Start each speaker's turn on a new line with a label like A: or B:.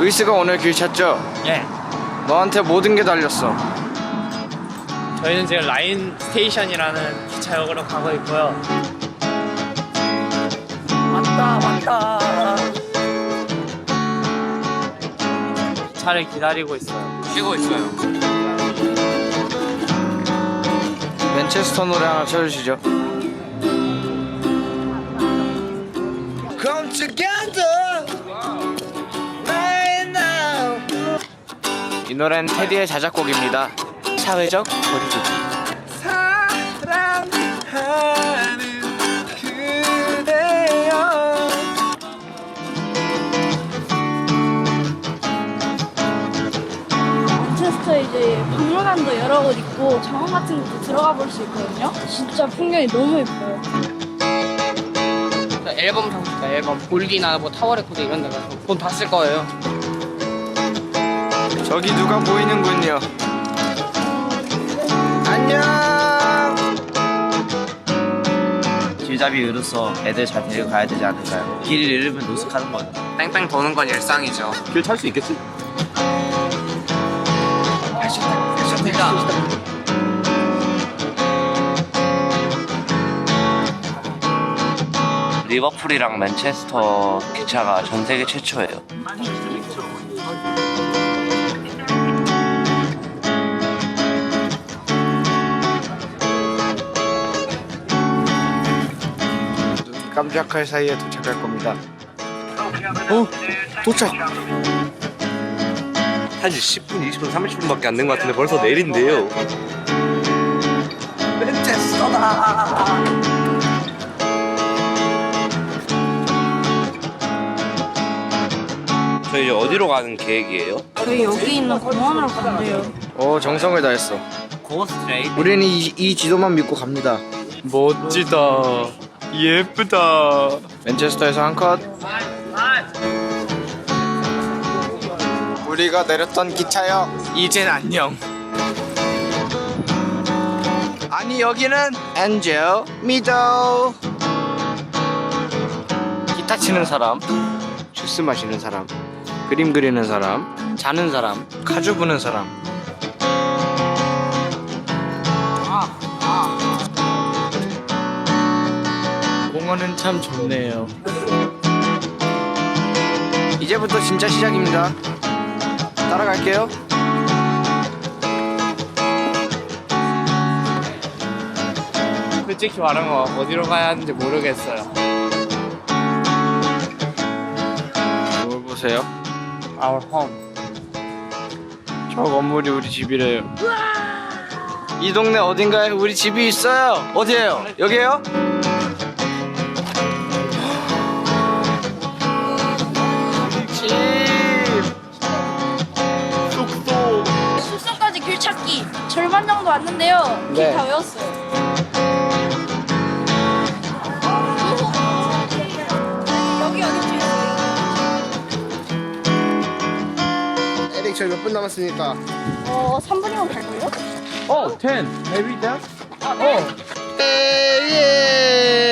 A: 루이스가 오늘 길 찾죠?
B: 예.
A: 너한테 모든 게 달렸어.
B: 저희는 지금 라인 스테이션이라는 기차역으로 가고 있고요. 왔다. 차를 기다리고 있어요. 쉬고 있어요.
A: 맨체스터 노래 하나 쳐주시죠. Come together right now. 이 노래는 테디의 자작곡입니다. 사회적 거리두기. 사랑하는 그대여.
C: 맨체스터에 이제 박물관도 여러 곳 있고 정원 같은 곳도 들어가 볼 수 있거든요. 진짜 풍경이 너무 예뻐요.
D: 앨범 상품가 앨범 골디나 뭐 타워 레코드 이런 데 가서 돈 다 쓸 거예요.
A: 저기 누가 보이는군요. 안녕.
E: 길잡이 의로서 애들 잘 데리고 가야 되지 않을까요? 길을 잃으면 노숙하는 거죠.
D: 뺑뺑 도는 건 일상이죠.
E: 길 탈 수 있겠지? 리버풀이랑 맨체스터 기차가 전 세계 최초예요.
A: 깜짝할 사이에 도착할 겁니다.
E: 도착! 한지 10분, 20분, 30분밖에 안 된 것 같은데 벌써 내린대요. 저희 이제 어디로 가는 계획이에요?
C: 저희 여기 있는 공원으로 간대요.
A: 오, 정성을 다했어.
E: 고스트레이?
A: 우리는 이 지도만 믿고 갑니다.
B: 멋지다. 예쁘다.
A: 맨체스터에서 한 컷. 우리가 내렸던 기차역 이젠 안녕. 아니 여기는 엔젤 미도. 기타 치는 사람, 주스 마시는 사람, 그림 그리는 사람, 자는 사람, 가주 부는 사람. 공원은 참 좋네요. 이제부터 진짜 시작입니다. 따라갈게요.
B: 솔직히 말하면 어디로 가야 하는지 모르겠어요.
A: 뭘 보세요?
B: Our home.
A: 저 건물이 우리 집이래요. 이 동네 어딘가에 우리 집이 있어요. 어디예요? 여기에요? 집. 숙소.
C: 숙소까지 길 찾기 절반 정도 왔는데요. 길
A: 네.
C: 다 외웠어요. 여기 뒤에.
A: 에릭 저희 몇 분 남았습니까?
C: 3분이면 갈걸요?
B: Oh, 10. Maybe that?
A: 예.